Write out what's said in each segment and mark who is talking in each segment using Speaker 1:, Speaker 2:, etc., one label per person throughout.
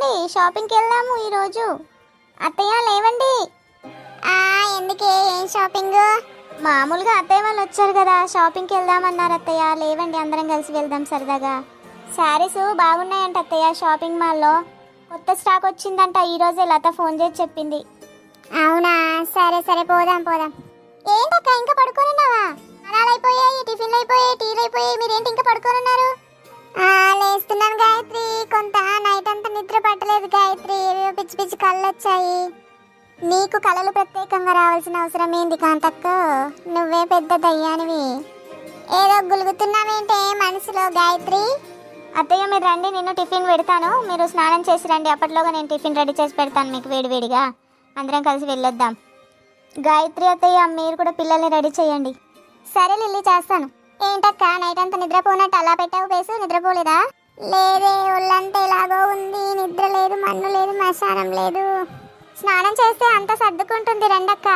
Speaker 1: లేవండి, షాపింగ్కి వెళ్దాము ఈరోజు. అత్తయ్య లేవండి.
Speaker 2: ఎందుకే ఏం షాపింగ్?
Speaker 1: మామూలుగా అత్తయ్య వాళ్ళు వచ్చారు కదా, షాపింగ్కి వెళ్దామన్నారు. అత్తయ్య లేవండి, అందరం కలిసి వెళ్దాం సరదాగా. శారీస్ బాగున్నాయంట అత్తయ్య, షాపింగ్ మాల్లో కొత్త స్టాక్ వచ్చిందంట. ఈరోజే లత ఫోన్ చేసి చెప్పింది.
Speaker 2: అవునా, సరే సరే పోదాం పోదాం. ఏంటక్క ఇంకా పడుకోనున్నావా? అనాలు అయిపోయాయి, టిఫిన్లు అయిపోయాయి, టీలు అయిపోయాయి, మీరేంటి ఇంకా పడుకోనున్నారు? లేస్తున్నాను గాయత్రి, కొంత నైట్ అంతా నిద్ర పట్టలేదు గాయత్రి, ఏవేవో పిచ్చి పిచ్చి కళ్ళు వచ్చాయి. నీకు కళలు ప్రత్యేకంగా రావాల్సిన అవసరం ఏంది కాంతక్క, నువ్వే పెద్ద దయ్యానివి. ఏదో గులుగుతున్నావేంటే మనసులో గాయత్రి?
Speaker 1: అత్తయ్య మీరు రండి, నేను టిఫిన్ పెడతాను, మీరు స్నానం చేసి రండి. అప్పట్లోగా నేను టిఫిన్ రెడీ చేసి పెడతాను మీకు వేడివేడిగా. అందరం కలిసి వెళ్ళొద్దాం. గాయత్రి అత్తయ్య మీరు కూడా పిల్లల్ని రెడీ చేయండి.
Speaker 2: సరే లిల్లీ, చేస్తాను. ఏంటక్క నైట్ అంతా నిద్రపోనట్టు అలా పెట్టావు పేసు? నిద్రపోలేదా? లేదే, ఒళ్ళంతా ఎలాగో ఉంది, నిద్ర లేదు, మన్ను లేదు, మశానం లేదు. స్నానం చేస్తే అంతా సర్దుకుంటుంది, రండక్క.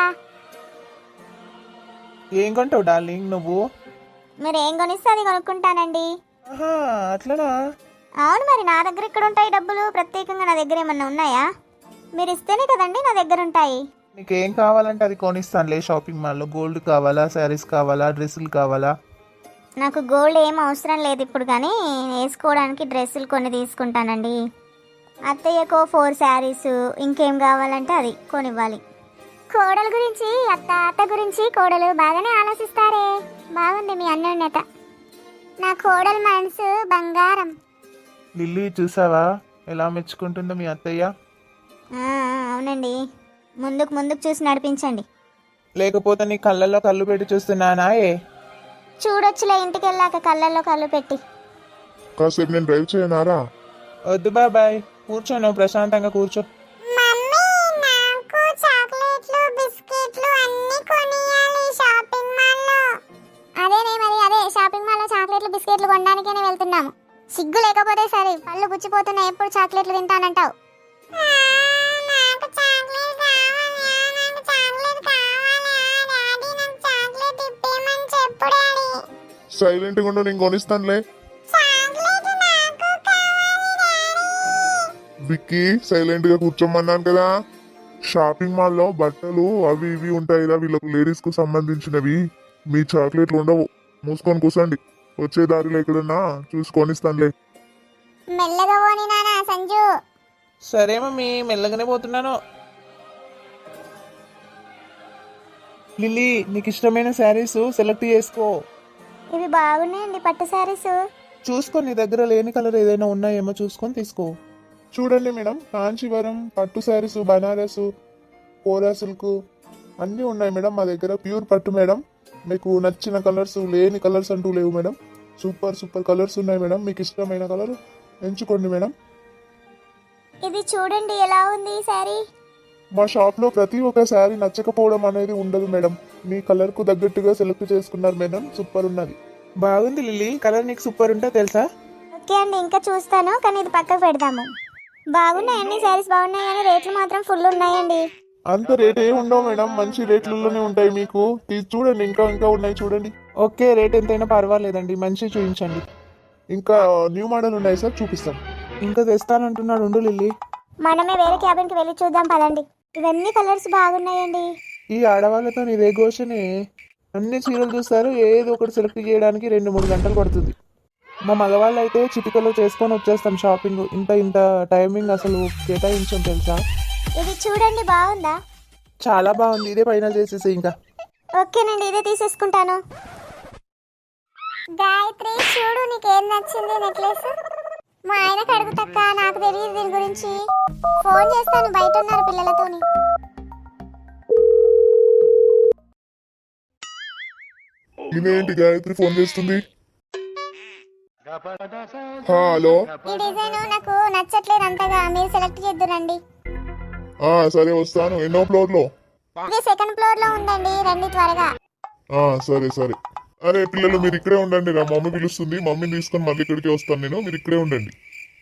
Speaker 3: ఏం కొంటావు డార్లింగ్ నువ్వు?
Speaker 1: మీరు ఏం కొనిస్తే అది కొనుక్కుంటానండి.
Speaker 3: అట్లనా?
Speaker 1: అవును, మరి నా దగ్గర ఇక్కడ ఉంటాయి డబ్బులు, ప్రత్యేకంగా నా దగ్గర ఏమన్నా ఉన్నాయా? మీరు ఇస్తేనే కదండి నా దగ్గర ఉంటాయి.
Speaker 3: నీకేం కావాలంటే అది కొనిస్తానులే. షాపింగ్ మాల్లో గోల్డ్ కావాలా, శారీస్ కావాలా, డ్రెస్సులు కావాలా?
Speaker 1: నాకు గోల్డ్ ఏం అవసరం లేదు ఇప్పుడు, కానీ వేసుకోవడానికి డ్రెస్సులు కొన్ని తీసుకుంటానండి. అత్తయ్యకో 4 శారీస్, ఇంకేం కావాలంటే అది కొనివ్వాలి.
Speaker 2: కోడల గురించి అత్త గురించి కోడలు బాగానే ఆలోచిస్తారే. బాగుంది మీ అన్యోన్యత. నా కోడల మనసు బంగారం.
Speaker 3: లిల్లీ చూసావా ఎలా మెచ్చుకుంటుందో మీ అత్తయ్య?
Speaker 1: అవునండి, ముందుకు ముందుకు చూసి నడిపించండి.
Speaker 3: లేకపోతే నీ కళ్ళల్లో కళ్ళు పెట్టి చూస్తున్నానా?
Speaker 1: చూడొచ్చులే ఇంటికి వెళ్ళాక కళ్ళల్లో కళ్ళు పెట్టి.
Speaker 4: కాసేపు నేను డ్రైవ్ చేయనారా?
Speaker 3: వద్దు బాబాయ్, కూర్చోను, ప్రశాంతంగా కూర్చో.
Speaker 2: మమ్మీ, నాకు చాక్లెట్లు బిస్కెట్లు అన్ని కొనియాలి షాపింగ్ మాల్లో. అదే షాపింగ్ మాల్లో చాక్లెట్లు బిస్కెట్లు కొనడానికనే వెళ్తున్నాము. సిగ్గు లేకపోతే సరే, పళ్ళు పుచ్చిపోతున్నాయి, ఎప్పుడు చాక్లెట్లు తింటానంటావు?
Speaker 4: సైలెంట్ గా ఉండు, నేను కొనిస్తానులే. విక్కీ, సైలెంట్ గా కూర్చోమన్నాను కదా. షాపింగ్ మాల్లో బట్టలు అవి ఇవి ఉంటాయి కదా, వీళ్ళకు లేడీస్ కు సంబంధించినవి. మీ చాక్లెట్లు ఉండవు, మూసుకొని కూర్చోండి. వచ్చే దారిలో ఎక్కడన్నా చూసి కొనిస్తానులే.
Speaker 2: మెల్లగా పోని నానా సంజు.
Speaker 3: సరే మమ్మీ, మెల్లగానే పోతున్నాను. లిల్లీ, నీకు ఇష్టమైన శారీస్ సెలెక్ట్ చేసుకో.
Speaker 1: ఇవి బాగున్నాయండి పట్టు శారీస్.
Speaker 3: చూసుకో, నీ దగ్గర లేని కలర్ ఏదైనా ఉన్నాయేమో చూసుకొని తీసుకో. చూడండి మేడం, కాంచీవరం పట్టు శారీస్, బనారస్, కోరా సిల్క్ అన్నీ ఉన్నాయి మేడం మా దగ్గర. ప్యూర్ పట్టు మేడం. మీకు నచ్చిన కలర్స్, లేని కలర్స్ అంటూ లేవు మేడం. సూపర్ సూపర్ కలర్స్ ఉన్నాయి మేడం. మీకు ఇష్టమైన కలర్ ఎంచుకోండి మేడం.
Speaker 1: ఇది చూడండి ఎలా ఉంది ఈ శారీ.
Speaker 3: మా షాప్లో ప్రతి ఒక్క శారీ నచ్చకపోవడం అనేది ఉండదు మేడం. మీ కలర్కు తగ్గట్టుగా సెలెక్ట్ చేసుకున్నారు మేడం. సూపర్ ఉన్నది. బాగుంది లిల్లీ, కలర్ నీకు సూపర్ ఉంటే తెలుసా?
Speaker 1: ఓకే అండి, ఇంకా చూస్తాను, కానీ ఇది పక్కకు పెడదాము. బాగున్నాయి, అన్ని శారీస్ బాగున్నాయి, కానీ రేట్లు మాత్రం ఫుల్ ఉన్నాయండి.
Speaker 4: అంత రేట్ ఏమి ఉండవు మేడం, మంచి రేట్లలోనే ఉంటాయి మీకు. చూడండి, ఇంకా ఇంకా ఉన్నాయి చూడండి.
Speaker 3: ఓకే, రేట్ ఎంతైనా పర్వాలేదండి, మంచి చూపించండి.
Speaker 4: ఇంకా న్యూ మోడల్ ఉన్నాయి సార్, చూపిస్తాం.
Speaker 3: ఇంకా తెస్తానంటున్నాడు, ఉండు లిల్లీ.
Speaker 1: మనమే వేరే క్యాబిన్కి వెళ్ళి చూద్దాం పదండి. ఇవన్నీ కలర్స్ బాగున్నాయండి.
Speaker 3: ఈ ఆడవాళ్ళతో ఇదే ఘోషనే. అన్ని చీరలు చూస్తారు, ఏదో ఒకటి సెలెక్ట్ చేయడానికి 2-3 గంటలు పడుతుంది. మా మగవాళ్ళు అయితే చిటికలో చేసుకొని వచ్చేస్తాం షాపింగ్. ఇంత టైమింగ్ అసలు కేటాయించాం తెలుసా?
Speaker 1: ఇది చూడండి, బాగుందా?
Speaker 3: చాలా బాగుంది, ఇదే ఫైనల్ చేసేసి ఇంకా.
Speaker 1: ఓకేనండి, ఇదే తీసేసుకుంటాను.
Speaker 2: గాయత్రి, చూడు నీకేం నచ్చింది నెక్లెస్. మా ఆయనకు అడుగుతక్క, నాకు తెలియదు దీని గురించి. ఫోన్ చేస్తాను, బయట ఉన్నారు పిల్లలతోని.
Speaker 4: ఇదేంటి గాయత్రి ఫోన్ చేస్తుంది? హలో,
Speaker 2: ఈ డిజైన్ నాకు నచ్చట్లేదు అంతగా, మీరు సెలెక్ట్ చేద్దురండి.
Speaker 4: సరే వస్తాను. ఎన్నో ఫ్లోర్ లో?
Speaker 2: ఇది 2nd ఫ్లోర్ లో ఉందండి, రండి త్వరగా.
Speaker 4: సరే సరే. అరే పిల్లలు, మీరు ఇక్కడే ఉండండి, నా మమ్మీ పిలుస్తుంది. మమ్మీని తీసుకొని మళ్ళీ ఇక్కడికి వస్తాను నేను, మీరు ఇక్కడే ఉండండి.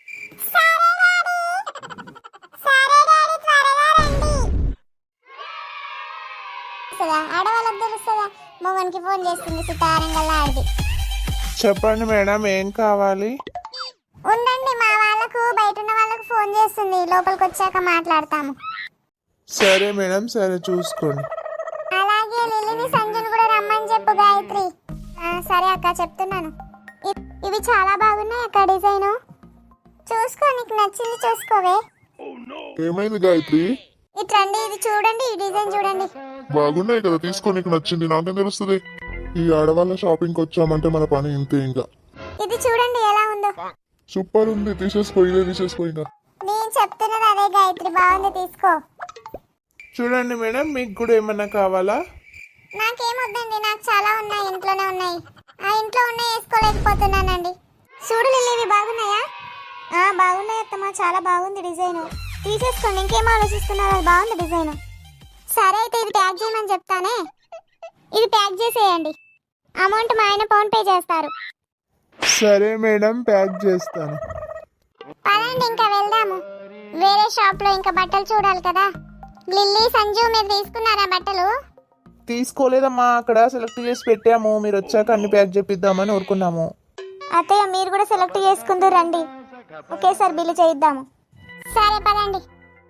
Speaker 2: ఆడవాళ్ళకి తెలుస్తుందా? మొగనికి ఫోన్ చేస్తుంది సితారంగల్లా ఆడిది.
Speaker 3: చెప్పండి మేడం, ఏం కావాలి?
Speaker 2: ఉండండి, మా వాళ్ళ వాళ్ళకు బయట ఉన్న వాళ్ళకు ఫోన్ చేస్తుంది, లోపలికి వచ్చాక మాట్లాడతాము.
Speaker 3: సరే మేడం, సరే చూసుకోండి.
Speaker 2: అలాగే లిల్లీని సంజుని కూడా రమ్మని చెప్పు గాయత్రి. సరే అక్క, చెప్తున్నాను. ఇవి చాలా బాగున్నాయి అక్క, డిజైన్ చూసుకో, నీకు నచ్చింది చూసుకోవే.
Speaker 4: ఏమైంది గాయత్రి?
Speaker 2: ఇట్రండి, ఇది చూడండి, ఈ డిజైన్ చూడండి.
Speaker 4: బాగున్నాయి కదా, తీసుకో, నీకు నచ్చింది. నాకేం తెలుస్తుంది? ఈ ఆడవాళ్ళ షాపింగ్కి వచ్చామంటే మన పని ఇంతే. ఇంకా
Speaker 2: ఇది చూడండి ఎలా ఉందో.
Speaker 4: సూపర్ ఉంది, తీసేసుకో, ఇదే తీసేసుకో. ఇంకా
Speaker 2: నేను చెప్తున్నది అదే గాయత్రి, బాగుంది, తీసుకో.
Speaker 3: చూడండి మేడం, మీకు కూడా ఏమన్నా కావాలా?
Speaker 2: నాకేమొద్దండి, నాకు చాలా ఉన్నాయి, ఇంట్లోనే ఉన్నాయి. ఆ ఇంట్లో ఉన్నాయి వేసుకోలేకపోతున్నానండి. చూడు లిల్లీ, ఇవి బాగున్నాయా?
Speaker 1: బాగున్నాయి అత్తమ్మ, చాలా బాగుంది డిజైన్. తీసేసుకోండి, ఇంకేం ఆలోచిస్తున్నారు, అది బాగుంది డిజైన్.
Speaker 2: సరే అయితే ఇది ప్యాక్ చేయమని చెప్తానే. ఇది ప్యాక్ చేసేయండి, అమౌంట్ మా ఆయన ఫోన్ పే చేస్తారు.
Speaker 3: సరే మేడం, ప్యాక్ చేస్తాను.
Speaker 2: పదండి ఇంకా వెళ్దాము. వేరే షాప్ లో ఇంకా బట్టలు చూడాలి కదా. లిల్లీ, సంజు, మీరు తీసుకున్నారా బట్టలు?
Speaker 3: తీసుకోలేదమ్మా, అక్కడ సెలెక్ట్ చేసి పెట్టాము. మీరు వచ్చాక అన్ని ప్యాక్ చేపిద్దామని ఊరుకున్నాము.
Speaker 1: అత్తయ్య మీరు కూడా సెలెక్ట్ చేసుకుందరు రండి, ఒకేసారి బిల్లు చేయిద్దాము.
Speaker 2: సరే పదండి.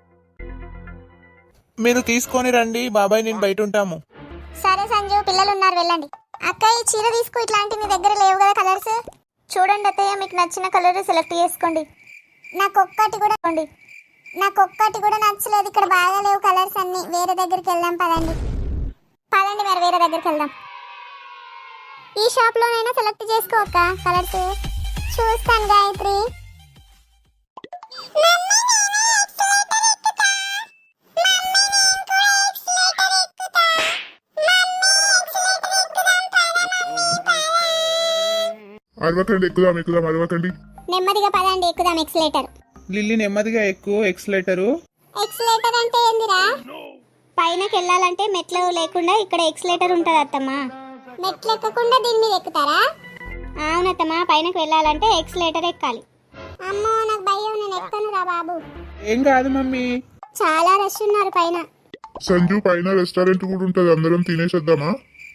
Speaker 3: మీరు తీసుకొని రండి, బాబాయ్ నేను బయట ఉంటాము.
Speaker 2: సరే సంజు, పిల్లలు ఉన్నారు, వెళ్ళండి. అక్క, ఈ చీర తీసుకో, ఇట్లాంటి మీ దగ్గర లేవు కదా కలర్స్.
Speaker 1: చూడండి అత్తయ్య, మీకు నచ్చిన కలర్ సెలెక్ట్ చేసుకోండి.
Speaker 2: నాకొక్కటి కూడా నచ్చలేదు. ఇక్కడ బాగా లేవు కలర్స్ అన్ని. వేరే దగ్గరికి వెళ్దాం, పదండి. పదండి మరి, వేరే దగ్గరికి వెళ్దాం. ఈ షాప్ లోనైనా సెలెక్ట్ చేసుకో అక్క కలర్స్. చూస్తాను గాయత్రి.
Speaker 4: అరవకండి, ఎక్కుదాం, అరవకండి.
Speaker 2: నెమ్మదిగా పదండి, ఎక్కుదాం ఎక్సలేటర్.
Speaker 3: లిల్లీ నెమ్మదిగా ఎక్కువ. ఎక్సలేటరు
Speaker 2: ఎక్సలేటర్ అంటే ఏందిరా?
Speaker 1: పైనకి వెళ్ళాలంటే మెట్లు లేకుండా ఇక్కడ ఎక్సలేటర్ ఉంటుంది అత్తమ్మ.
Speaker 2: మెట్లు ఎక్కకుండా దీని మీద ఎక్కుతారా?
Speaker 1: అవునత్తమ్మ, పైనకి వెళ్ళాలంటే ఎక్సలేటర్ ఎక్కాలి.
Speaker 2: అమ్మో, నాకు భయం, నేను ఎక్కను రా బాబు.
Speaker 3: ఏం కాదు మమ్మీ.
Speaker 2: చాలా రష్ ఉన్నారు పైన.
Speaker 4: సంజు, పైన రెస్టారెంట్ కూడా ఉంటది, అందరం తినేసేద్దామా?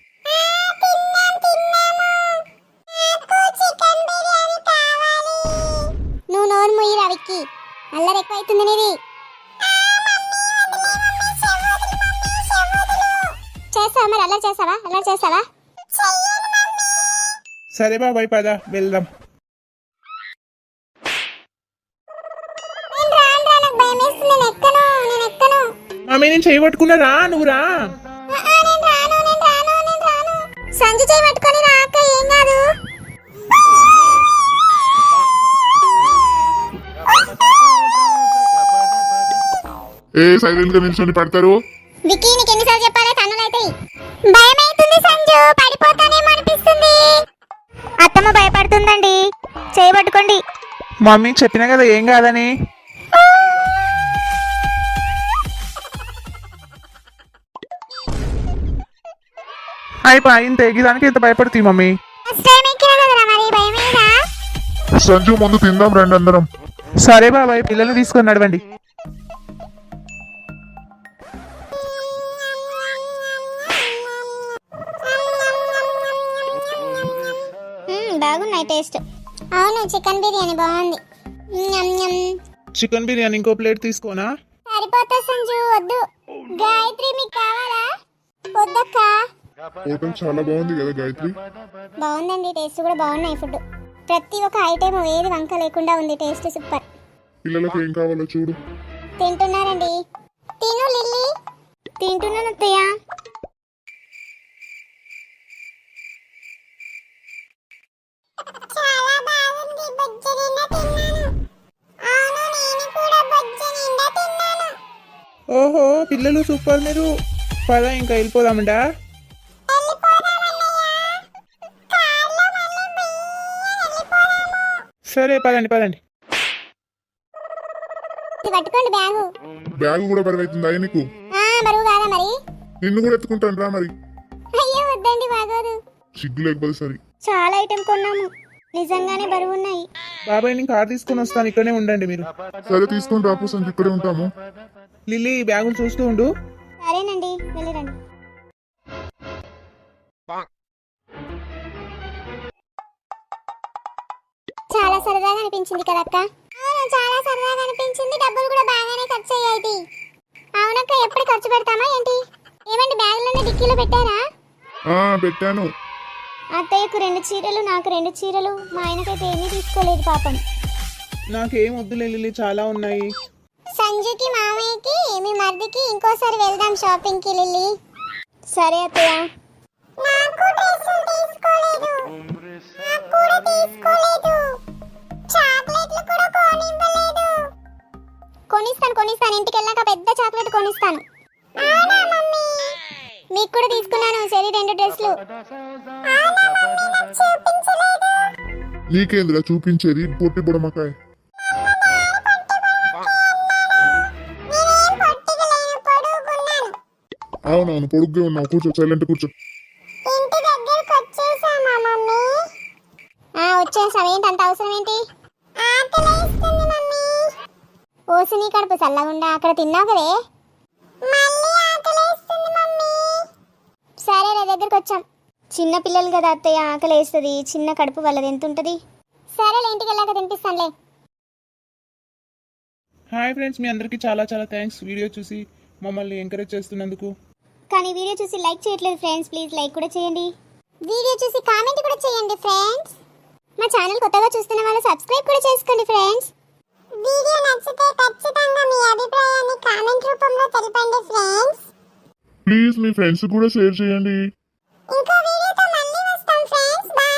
Speaker 2: నువ్వు నోరు ముయ్యి రవికి, అల్లరి ఎక్కువ అవుతుంది నీది. చేస్తావా మరి, అల్లరి చేస్తావా?
Speaker 3: సరే బాబాయ్, పద వెళ్దాం.
Speaker 2: నాకు భయం వేస్తుంది, నేను ఎక్కను.
Speaker 3: మమ్మీ నేను చేయబట్టుకున్నా, నువ్వు రా.
Speaker 2: నేను రాను. సంజు చేయి పట్టుకొని రా అక్క, ఏం కాదు.
Speaker 4: సైలెంట్ గా నిల్చొని పడతారు.
Speaker 2: వికీ, నీకు ఎన్నిసార్లు చెప్పాలి, తన్నులైతే భయం అవుతుంది సంజు, పడిపోతానేమో అనిపిస్తుంది.
Speaker 1: అత్తమ్మ భయపడుతుందండి, చేయబట్టుకోండి.
Speaker 3: మమ్మీ చెప్పినా కదా ఏం కాదని. అయిపోయింది, తెగిదానికి ఇంత భయపడుతుంది మమ్మీ.
Speaker 2: ఫస్ట్ టైం ఎక్కినా కదరా, మరి భయమేదా?
Speaker 4: సంజు, ముందు తిందాం రండి అందరం.
Speaker 3: సరే బాబాయ్, పిల్లల్ని తీసుకొని నడవండి.
Speaker 1: బాగున్నాయి టేస్ట్.
Speaker 2: అవును, చికెన్ బిర్యానీ బాగుంది.
Speaker 3: చికెన్ బిర్యానీ ఇంకో ప్లేట్ తీసుకోనా?
Speaker 2: సరిపోతా సంజు, వద్దు. గాయత్రి, మీకు కావాలా? వద్దక్క.
Speaker 4: హోటల్ చాలా బాగుంది కదా గాయత్రి?
Speaker 2: బాగుందండి, టేస్ట్ కూడా బాగున్నాయి. ఫుడ్ ప్రతి ఒక్క ఐటెం ఏది వంక లేకుండా ఉంది, టేస్ట్ సూపర్.
Speaker 4: పిల్లలకు ఏం కావాలో చూడు.
Speaker 2: తింటున్నారండి. తిను లిల్లీ.
Speaker 1: తింటున్నాను అత్తయ్య.
Speaker 2: చాలా బాగుంది, బొజ్జ నిండా తిన్నాను. అవును, నేను కూడా బొజ్జ నిండా తిన్నాను.
Speaker 3: ఓహో, పిల్లలు సూపర్. మీరు పద ఇంకా వెళ్ళిపోదామంటా. సరే పదండి.
Speaker 2: పట్టుకోండి బ్యాగు.
Speaker 4: బ్యాగ్ కూడా బరువైతుందా నీకు?
Speaker 2: బరువు కాదా మరి?
Speaker 4: నిన్ను కూడా ఎత్తుకుంటాను రా మరి.
Speaker 2: అయ్యో వద్దండి, బాగోదు.
Speaker 4: సిగ్గు లేకపోతే సరే.
Speaker 1: చాలా ఐటెం కొన్నాము, నిజంగానే బరువు ఉన్నాయి.
Speaker 3: బాబాయ్ నేను కార్ తీసుకొని వస్తాను, ఇక్కడనే ఉండండి మీరు.
Speaker 4: సరే తీసుకొని రాపు సంజు, ఇక్కడే ఉంటాము.
Speaker 3: లిల్లీ ఈ బ్యాగులు చూస్తూ ఉండు.
Speaker 1: సరేనండి, వెళ్ళిరండి.
Speaker 2: చాలా సరదాగా అనిపించింది కదక్క. చాలా సరదాగా అనిపించింది, డబ్బులు కూడా బాగానే ఖర్చు అయ్యాయి. అవునక్క, ఎప్పుడు ఖర్చు పెడతామా ఏంటి? ఏమండి బ్యాగులన్నీ డిక్కీలో పెట్టారా?
Speaker 4: పెట్టాను.
Speaker 1: అత్తయ్యకు 2 చీరలు, నాకు 2 చీరలు, మా ఆయనకైతే ఏమీ తీసుకోలేదు పాపం.
Speaker 3: నాకేం వద్దులే లిల్లీ, చాలా ఉన్నాయి.
Speaker 2: సంజుకి, మామయ్యకి, మీ మరిదికి ఇంకోసారి వెళ్దాం షాపింగ్ కి లిల్లీ.
Speaker 1: సరే అత్తయ్య.
Speaker 2: నాకు డ్రెస్సులు తీసుకోలేదు, నాకు కూడా తీసుకోలేదు, చాక్లెట్లు కూడా కొనివ్వలేదు.
Speaker 1: కొనిస్తాను, ఇంటికి వెళ్ళాక పెద్ద చాక్లెట్ కొనిస్తాను.
Speaker 2: అవునా మమ్మీ?
Speaker 1: మీకు కూడా తీసుకున్నాను సరే 2 డ్రెస్లు.
Speaker 2: అవునా మమ్మీ? నాకు చూపించలేదు.
Speaker 4: నీకేంద్రా చూపించేది పొట్టి బుడమకాయ?
Speaker 2: నేనేం పొట్టిగా లేను, పొడుగున్నాను.
Speaker 4: అవునవును, పొడుగ్గా ఉన్నావు. కూర్చో, సైలెంట్ కూర్చో.
Speaker 2: ఇంటి దగ్గరకు వచ్చేసామా మమ్మీ?
Speaker 1: వచ్చేసాం. ఏంటి అంత అవసరం ఏంటి?
Speaker 2: ఆకలేస్తుంది మమ్మీ.
Speaker 1: ఓసి నీ కడుపు చల్లగుండా, అక్కడ తిన్నావు కదే.
Speaker 2: మళ్ళీ ఆకలేస్తుంది మమ్మీ.
Speaker 1: సరే నా దగ్గరకు వచ్చాం. చిన్న పిల్లలు కదా అత్తయ్య, ఆకలి వేస్తుంది. చిన్న కడుపు వాళ్ళది ఎంత ఉంటుంది.
Speaker 2: సరేలే, ఇంటికి వెళ్ళాక తినిపిస్తానులే.
Speaker 3: హాయ్ ఫ్రెండ్స్, మీ అందరికీ చాలా చాలా థ్యాంక్స్ వీడియో చూసి మమ్మల్ని ఎంకరేజ్ చేస్తున్నందుకు.
Speaker 1: కానీ వీడియో చూసి లైక్ చేయట్లేదు ఫ్రెండ్స్, ప్లీజ్ లైక్ కూడా చేయండి.
Speaker 2: వీడియో చూసి కామెంట్ కూడా చేయండి ఫ్రెండ్స్.
Speaker 1: మా ఛానల్ కొత్తగా చూస్తున్న వాళ్ళు సబ్స్క్రైబ్ కూడా చేసుకోండి ఫ్రెండ్స్.
Speaker 2: వీడియో నచ్చితే ఖచ్చితంగా మీ అభిప్రాయాన్ని కామెంట్ రూపంలో తెలపండి ఫ్రెండ్స్.
Speaker 4: ప్లీజ్ మీ ఫ్రెండ్స్ కూడా షేర్ చేయండి.
Speaker 2: ఇంకో వీడియోతో మళ్ళీ వస్తాం ఫ్రెండ్స్. బాయ్.